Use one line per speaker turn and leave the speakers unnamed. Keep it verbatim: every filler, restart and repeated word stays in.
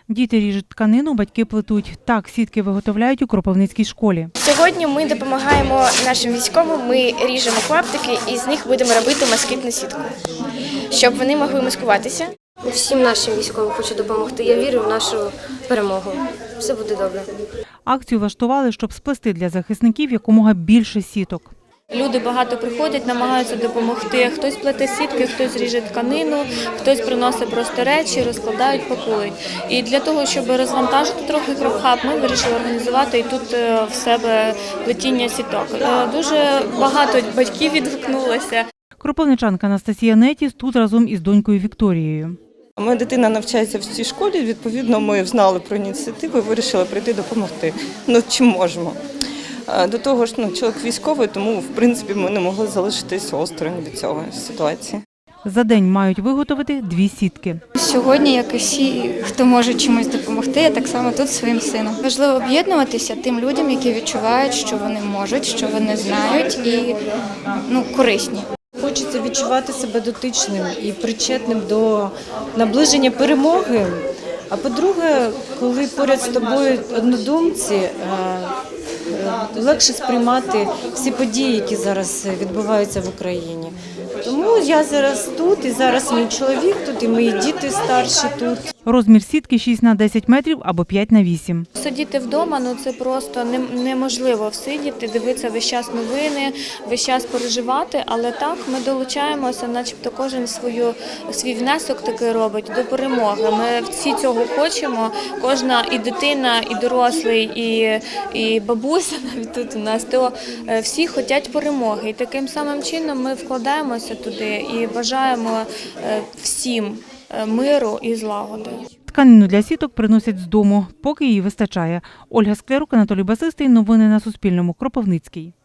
Діти ріжуть тканину, батьки плетуть. Так сітки виготовляють у Кропивницькій школі.
Сьогодні ми допомагаємо нашим військовим, ми ріжемо клаптики і з них будемо робити москітну сітку, щоб вони могли маскуватися.
Всім нашим військовим хочу допомогти. Я вірю в нашу перемогу. Все буде добре.
Акцію влаштували, щоб сплести для захисників якомога більше сіток.
Люди багато приходять, намагаються допомогти. Хтось плете сітки, хтось ріже тканину, хтось приносить просто речі, розкладають, пакують. І для того, щоб розвантажити трохи Кропхаб, ми вирішили організувати і тут в себе плетіння сіток. Дуже багато батьків відгукнулося.
Кропивничанка Анастасія Нетіс тут разом із донькою Вікторією.
Моя дитина навчається в цій школі, відповідно, ми знали про ініціативу і вирішили прийти допомогти. Ну, чим можемо. До того ж, ну, чоловік військовий, тому, в принципі, ми не могли залишитись осторонь від цього ситуації.
За день мають виготовити дві сітки.
Сьогодні, як і всі, хто може чимось допомогти, я так само тут своїм сином. Важливо об'єднуватися тим людям, які відчувають, що вони можуть, що вони знають і ну, корисні.
Хочеться відчувати себе дотичним і причетним до наближення перемоги. А по-друге, коли поряд з тобою однодумці, легше сприймати всі події, які зараз відбуваються в Україні. Тому я зараз тут, і зараз мій чоловік тут, і мої діти старші тут.
Розмір сітки шість на десять метрів або п'ять на вісім.
Сидіти вдома, ну це просто неможливо всидіти, дивитися весь час новини, весь час переживати, але так ми долучаємося, начебто кожен свою, свій внесок такий робить до перемоги. Ми всі цього хочемо, кожна і дитина, і дорослий, і, і бабуся навіть тут у нас, то всі хочуть перемоги. І таким самим чином ми вкладаємося туди і бажаємо всім миру і злагоди.
Тканину для сіток приносять з дому, поки її вистачає. Ольга Склярук, Анатолій Басистий. Новини на Суспільному. Кропивницький.